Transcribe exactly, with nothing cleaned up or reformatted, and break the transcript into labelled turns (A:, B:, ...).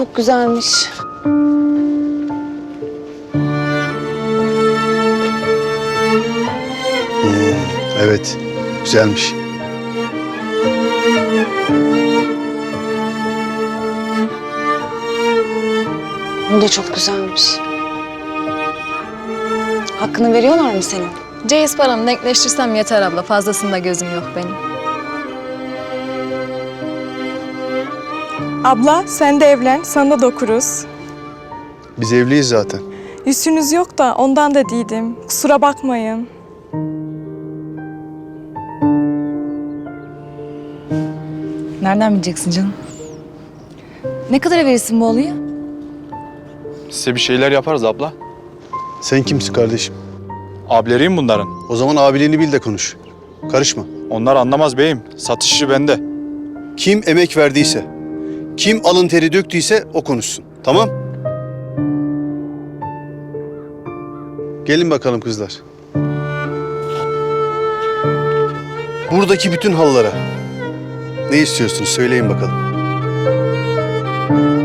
A: çok güzelmiş.
B: Hmm, evet, güzelmiş.
A: Bu da çok güzelmiş. Hakkını veriyorlar mı senin?
C: Ceyiz paramı denkleştirsem yeter abla. Fazlasında gözüm yok benim.
D: Abla sen de evlen, sana da dokuruz.
B: Biz evliyiz zaten.
D: Yüzünüz yok da ondan da değildim. Kusura bakmayın.
C: Nereden bileceksin canım? Ne kadara verirsin bu olayı?
E: Size bir şeyler yaparız abla.
B: Sen kimsin kardeşim?
E: Abileriyim bunların.
B: O zaman abiliğini bil de konuş. Karışma.
E: Onlar anlamaz beyim. Satış işi bende.
B: Kim emek verdiyse, kim alın teri döktüyse o konuşsun. Tamam? Gelin bakalım kızlar. Buradaki bütün halılara ne istiyorsunuz söyleyin bakalım.